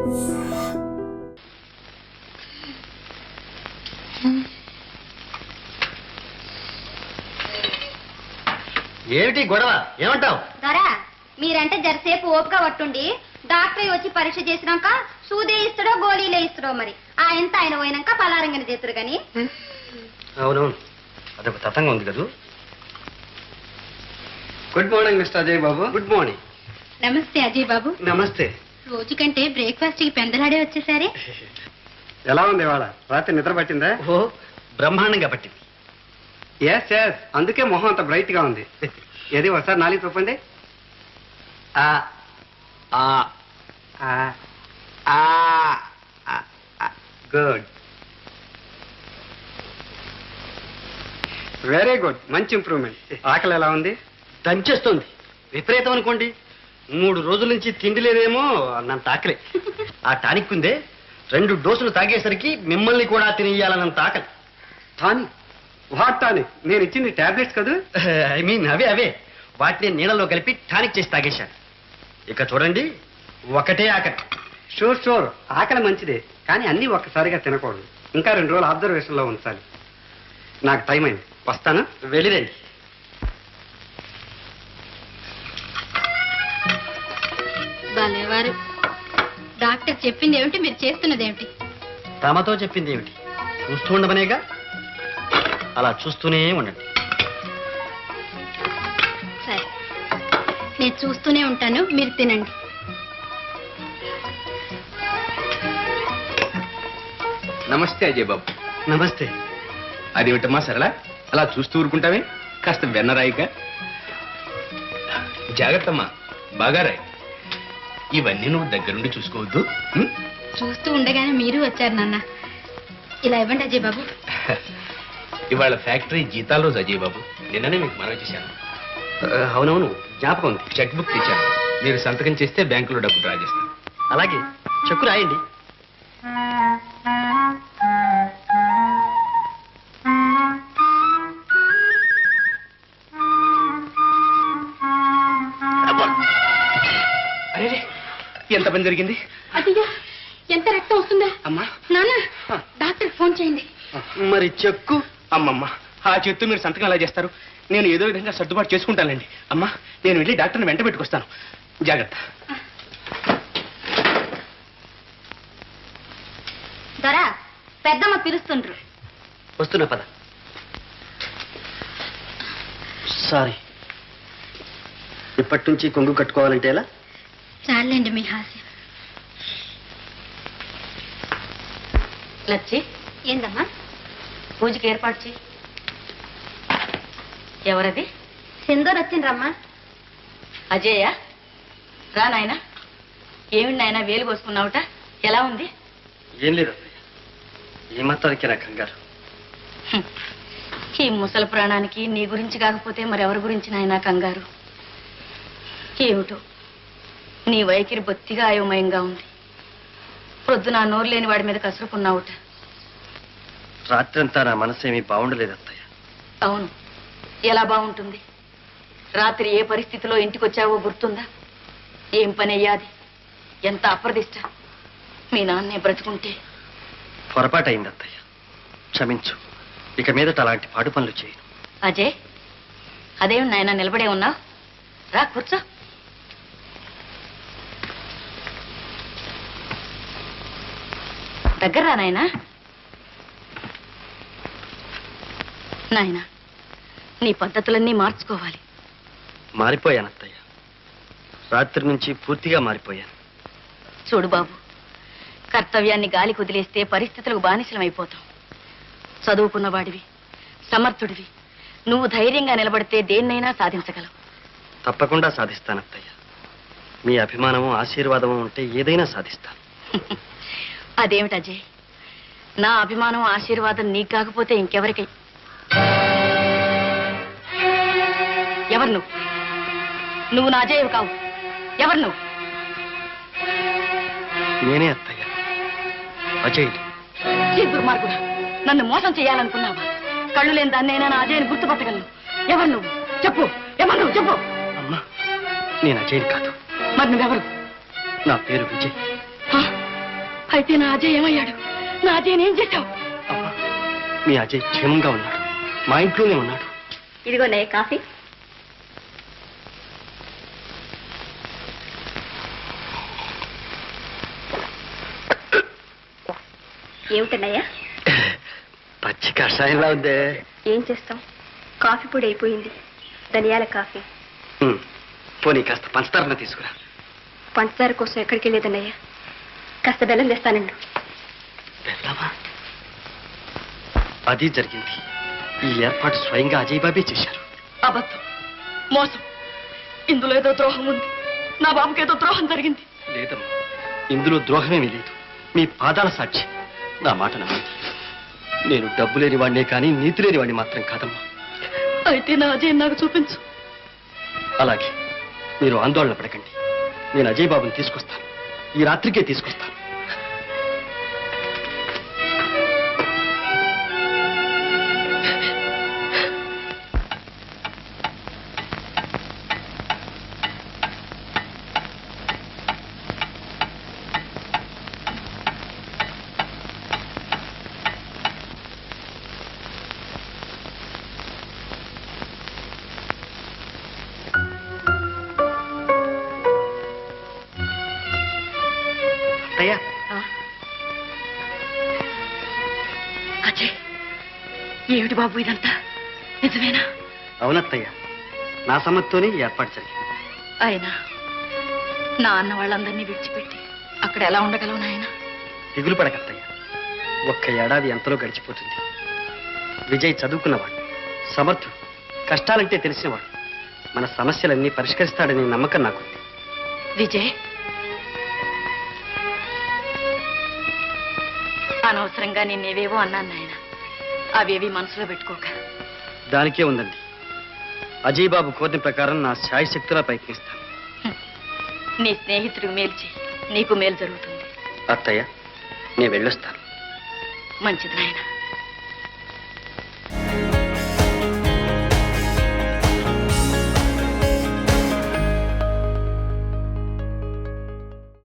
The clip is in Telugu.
ఏమిటి గొడవ? ఏమంటావు? దొరా, మీరంటే జరసేపు ఓపిక పట్టుండి డాక్టర్ వచ్చి పరీక్ష చేసినాక సూదే ఇస్తాడో గోళీలే ఇస్తాడో మరి ఎంత ఆయన పోయినాక పలారంగని చేతురు గాని. అవునవును, అదొక తతంగా ఉంది కదా. Good morning mister Ajay Babu. Good morning. నమస్తే అజయ్ బాబు. నమస్తే. రోజు కంటే బ్రేక్ఫాస్ట్ కి పెందలాడే వచ్చేసారే. ఎలా ఉంది ఇవాళ? రాత్రి నిద్ర పట్టిందా? ఓ బ్రహ్మాండంగా పట్టింది. ఎస్ ఎస్, అందుకే మొహం అంత బ్రైట్ గా ఉంది. ఏది ఒకసారి నాలుగు చెప్పండి. గుడ్, వెరీ గుడ్, మంచి ఇంప్రూవ్మెంట్. ఆకలి ఎలా ఉంది? దంచేస్తుంది. విపరీతం అనుకోండి. 3 రోజుల నుంచి తిండి లేదేమో అన్నంత ఆకలి. ఆ టానిక్ ఉందే, 2 డోసులు తాగేసరికి మిమ్మల్ని కూడా తినేయాలన్నంత ఆకలి. టానిక్? What tonic? నేను ఇచ్చింది టాబ్లెట్స్ కదా. ఐ మీన్ అవే వాటిని నీళ్ళలో కలిపి టానిక్ చేసి తాగేశాను. ఇక చూడండి, ఒకటే ఆకలి. షూర్ షూర్, ఆకలి మంచిదే, కానీ అన్నీ ఒక్కసారిగా తినకూడదు. ఇంకా 2 రోజులు అబ్జర్వేషన్ లో ఉంచాలి. నాకు టైం అయింది, వస్తాను. వెళ్ళిరండి. భలేవారు. డాక్టర్ చెప్పింది ఏమిటి, మీరు చేస్తున్నది ఏమిటి? తమతో చెప్పింది ఏమిటి? చూస్తూ ఉండమనేగా. అలా చూస్తూనే ఉండండి. సరే, నేను చూస్తూనే ఉంటాను, మీరు తినండి. నమస్తే అజయ్ బాబు. నమస్తే. అదేమిటమ్మా సరళ, అలా చూస్తూ ఊరుకుంటావే? కాస్త వెన్నరాయిక. జాగ్రత్తమ్మా, బాగా రాయి. ఇవన్నీ నువ్వు దగ్గరుండి చూసుకోవద్దు. చూస్తూ ఉండగానే మీరు వచ్చారు నాన్న. ఇలా ఇవ్వండి అజయ్ బాబు. ఇవాళ ఫ్యాక్టరీ జీతాల రోజు అజయ్ బాబు. నిన్ననే మీకు మనవి చేశాను. అవునవును, జ్ఞాపకం ఉంది. చెక్ బుక్ తెచ్చాను. మీరు సంతకం చేస్తే బ్యాంకులో డబ్బు డ్రా చేస్తాను. అలాగే, చెక్కు రాయండి. అరే, ఎంత పని జరిగింది? అదిగా ఎంత రక్తం వస్తుందా? అమ్మా, నాన్న, డాక్టర్ ఫోన్ చేయండి. మరి చెక్కు? అమ్మమ్మ, ఆ చేత్తో మీరు సంతకం ఎలా చేస్తారు? నేను ఏదో విధంగా సర్దుబాటు చేసుకుంటానండి. అమ్మా, నేను వెళ్ళి డాక్టర్ని వెంట పెట్టుకొస్తాను. జాగ్రత్త. దొరా, పెద్దమ్మ పిలుస్తుండ్రు. వస్తున్నా, పద. సారీ, ఇప్పటి నుంచి కొంగు కట్టుకోవాలంటే ఎలా? చాలండి మీ హాస్యం. లచ్చి, ఏందమ్మా? పూజకి ఏర్పాటు చేయి. ఎవరది? సింధూర్ వచ్చిండ్రమ్మా. అజయ్య, రా నాయనా. ఏమిటి నాయనా వేలు కోసుకున్నావుట? ఎలా ఉంది? ఏం లేదు అత్తయ్య, ఈ మాత్రానికి నా కంగారు. ఈ ముసలి ప్రాణానికి నీ గురించి కాకపోతే మరెవరి గురించి నాయనా కంగారు? ఏమిటో నీ వైఖరి బొత్తిగా అయోమయంగా ఉంది. ప్రొద్దున నోరు లేని వాడి మీద కసురుకున్నావుట. రాత్రంతా నా మనసు ఏమీ బాగుండలేదు అత్తయ్య. అవును, ఎలా బాగుంటుంది? రాత్రి ఏ పరిస్థితిలో ఇంటికొచ్చావో గుర్తుందా? ఏం పని అయ్యాది? ఎంత అప్రదిష్ట! మీ నాన్నే బ్రతుకుంటే. పొరపాటు అయింది అత్తయ్య, క్షమించు. ఇక మీదట అలాంటి పాడు పనులు చేయను. అజయ్, అదేం నాయన నిలబడే ఉన్నావు? రా కూర్చో. దగ్గర రా నాయనా. నాయనా, నీ పద్ధతులన్నీ మార్చుకోవాలి. మారిపోయాను అత్తయ్య, రాత్రి నుంచి పూర్తిగా మారిపోయాను. చూడు బాబు, కర్తవ్యాన్ని గాలి కుదిలేస్తే పరిస్థితులకు బానిసలమైపోతాం. చదువుకున్నవాడివి, సమర్థుడివి, నువ్వు ధైర్యంగా నిలబడితే దేన్నైనా సాధించగలవు. తప్పకుండా సాధిస్తాను అత్తయ్య. మీ అభిమానము ఆశీర్వాదము ఉంటే ఏదైనా సాధిస్తాను. అదేమిటి అజయ్, నా అభిమానం ఆశీర్వాదం నీకు కాకపోతే ఇంకెవరికి? ఎవరు నువ్వు? నువ్వు నా అజయ్యవు కావు. ఎవరు నువ్వు? నేనే అత్తయ్య, అజయ్ని. ఈ దుర్మార్గుడా, నన్ను మోసం చేయాలనుకున్నావా? కళ్ళు లేని దాన్నైనా నా అజయ్ని గుర్తుపట్టగలను. ఎవరు నువ్వు? చెప్పు. ఎవరు నువ్వు? చెప్పు. అమ్మా, నేను అజయ్ని కాదు. మరి నువ్వెవరు? నా పేరు విజయ్. అయితే నా అజయ్ ఏమయ్యాడు? నా అజయ్ ఏం చేశావు? అమ్మా, మీ అజయ్ క్షేమంగా ఉన్నాడు, మా ఇంట్లోనే ఉన్నాడు. ఇదిగోనయ్య కాఫీ. ఏమిటన్నయ్యా? పచ్చి కషాయంలా ఉందే. ఏం చేస్తాం, కాఫీ పొడి అయిపోయింది. ధనియాల కాఫీ. పోనీ కాస్త పంచదారణ తీసుకురా. పంచదార కోసం ఎక్కడికి వెళ్ళేదన్నయ్యా? కాస్త బెల్లం తెస్తానండి. వెళ్దామా? అది జరిగింది. ఈ ఏర్పాటు స్వయంగా అజయ్ బాబే చేశారు. అబద్ధం, మోసం. ఇందులో ఏదో ద్రోహం ఉంది. నా బాబుకి ఏదో ద్రోహం జరిగింది. లేదమ్మా, ఇందులో ద్రోహమేమీ లేదు. మీ పాదాల సాక్షి. నా మాట నమ్మండి. నేను డబ్బు లేని వాడినే కానీ నీతి లేని వాడిని మాత్రం కాదమ్మా. అయితే నా అజయ్ నాకు చూపించు. అలాగే, మీరు ఆందోళన పడకండి. నేను అజయ్ బాబుని తీసుకొస్తాను. ఈ రాత్రికే తీసుకొస్తాను. అయ్యా, అజయ్, ఏమిటి బాబు ఇదంతా? నిజమేనా? అవునత్తయ్య, నా సమ్మతితోనే ఈ ఏర్పాటు జరిగింది. అయినా నా అన్న వాళ్ళందరినీ విడిచిపెట్టి అక్కడ ఎలా ఉండగలవు నాయన? దిగులు పడకత్తయ్య. ఒక్క ఏడాది ఎంతలో గడిచిపోతుంది. విజయ్ చదువుకున్నవాడు, సమర్థుడు, కష్టాలంటే తెలిసినవాడు. మన సమస్యలన్నీ పరిష్కరిస్తాడనే నమ్మకం నాకుంది. విజయ్, అనవసరంగా నిన్నేవేవో అన్నాను నాయన. అవేవి మనసులో పెట్టుకోక. దానికే ఉందండి. అజయ్ బాబు కోరిన ప్రకారం నా శాయశక్తులా ప్రయత్నిస్తాను. నీ స్నేహితుడికి మేలు చేయి, నీకు మేలు జరుగుతుంది. అత్తయ్య, నేను వెళ్ళొస్తాను. మంచిది నాయన.